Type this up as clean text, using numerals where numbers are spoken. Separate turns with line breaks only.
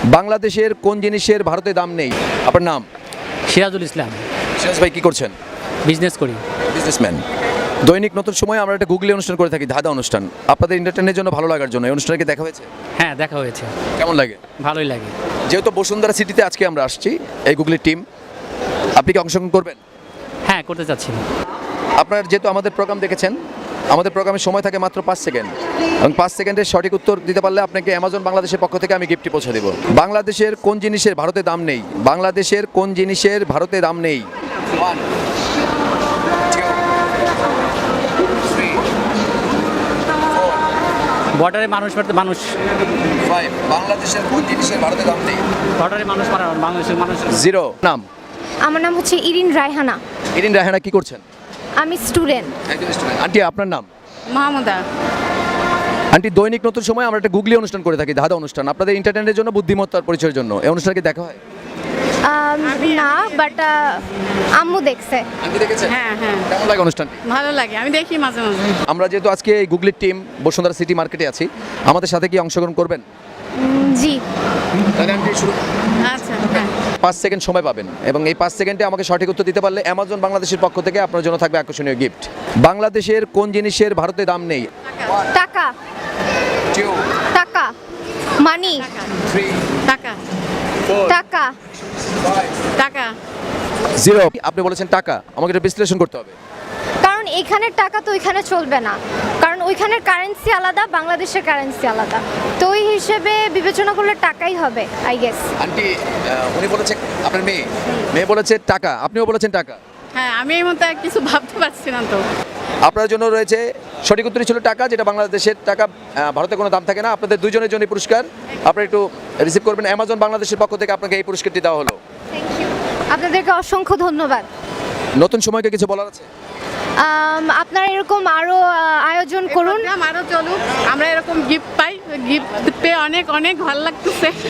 বাংলাদেশের কোন জিনিসের ভারতে দাম নেই? আপনার নাম?
সিরাজুল ইসলাম।
সিরাজ ভাই কি করছেন?
বিজনেস করি।
বিজনেসম্যান। দৈনিক নতুন সময় আমরা একটা গুগলি অনুষ্ঠান করে থাকি, ধাঁধা অনুষ্ঠান। আপনাদের এন্টারটেইনের জন্য, ভালো লাগার জন্য এই অনুষ্ঠানকে দেখা হয়েছে?
হ্যাঁ, দেখা হয়েছে।
কেমন লাগে?
ভালোই লাগে।
যেহেতু বসুন্ধরা সিটিতে আজকে আমরা আসছি, এই গুগলির টিম, আপনি কি অংশগ্রহণ করবেন?
হ্যাঁ, করতে চাচ্ছি।
আপনার যেহেতু আমাদের প্রোগ্রাম দেখেছেন, আমাদের প্রোগ্রামের সময় থাকে মাত্র 5 সেকেন্ড, এবং 5 সেকেন্ডের সঠিক উত্তর দিতে পারলে আপনাকে অ্যামাজন বাংলাদেশের পক্ষ থেকে আমি গিফটটি পৌঁছে দেব। বাংলাদেশের কোন জিনিসের ভারতে দাম নেই? বাংলাদেশের কোন জিনিসের ভারতে দাম নেই? 1 2 3
বর্ডারে মানুষ মারতে মানুষ।
5 বাংলাদেশের কোন জিনিসের ভারতে দাম নেই?
বর্ডারে মানুষ মারা বাংলাদেশের মানুষ।
0 নাম?
আমার নাম হচ্ছে ইরিন রায়হানা।
ইরিন রায়হানা কি করছেন?
আমি স্টুডেন্ট।
একজন স্টুডেন্ট। আন্টি আপনার নাম?
মাহমুদা।
আন্টি দৈনিক নতুন সময় আমরা একটা গুগলি অনুষ্ঠান করে থাকি, ধাঁধা অনুষ্ঠান, আপনাদের এন্টারটেইনের জন্য, বুদ্ধিমত্তার পরিচয়ের জন্য। এই অনুষ্ঠানকে দেখা হয়?
না, বাট আম্মু দেখছে।
আন্টি দেখেছেন?
হ্যাঁ হ্যাঁ,
কেমন লাগে অনুষ্ঠানটি?
ভালো লাগে, আমি দেখি মাঝে মাঝে।
আমরা যেহেতু আজকে এই গুগলির টিম বসুন্ধরা সিটি মার্কেটে আছি, আমাদের সাথে কি অংশগ্রহণ করবেন?
জি।
তাহলে আন্টি শুরু।
আচ্ছা হ্যাঁ।
5 সেকেন্ড সময় পাবেন, এবং এই 5 সেকেন্ডে আমাকে সঠিক উত্তর দিতে পারলে অ্যামাজন বাংলাদেশের পক্ষ থেকে আপনার জন্য থাকবে আকর্ষণীয় গিফট। বাংলাদেশের কোন জিনিসের ভারতে দাম নেই?
টাকা।
2
টাকা। মানি।
3
টাকা
4
টাকা।
5
টাকা
0 আপনি বলেছেন টাকা, আমাকে এটা বিশ্লেষণ করতে হবে।
কারণ এখানের টাকা তো ওইখানে চলবে না, কারণ ওইখানের কারেন্সি আলাদা, বাংলাদেশের কারেন্সি আলাদা। তো ওই হিসেবে বিবেচনা করলে টাকাই হবে, আই গেস।
আন্টি উনি বলেছে, আপনার মেয়ে বলেছে টাকা, আপনিও বলেছেন টাকা।
হ্যাঁ, আমি এই মধ্যে কিছু ভাবতে পারছি না তো।
আপনার জন্য রয়েছে সঠিক উত্তরই ছিল টাকা, যেটা বাংলাদেশের টাকা। ভারতে কোনো দাম থাকে না। আপনাদের দুজনের জন্য পুরস্কার আপনারা একটু রিসিভ করবেন। অ্যামাজন বাংলাদেশের পক্ষ থেকে আপনাকে এই পুরস্কারটি দেওয়া হলো।
থ্যাংক ইউ, আপনাদেরকে অসংখ্য ধন্যবাদ।
নতুন সময়কে কিছু বলার আছে?
আপনারা এরকম আরও আয়োজন করুন।
আরো চলুক, আমরা এরকম গিফট পাই, গিফট পেয়ে অনেক অনেক ভালো লাগতেছে।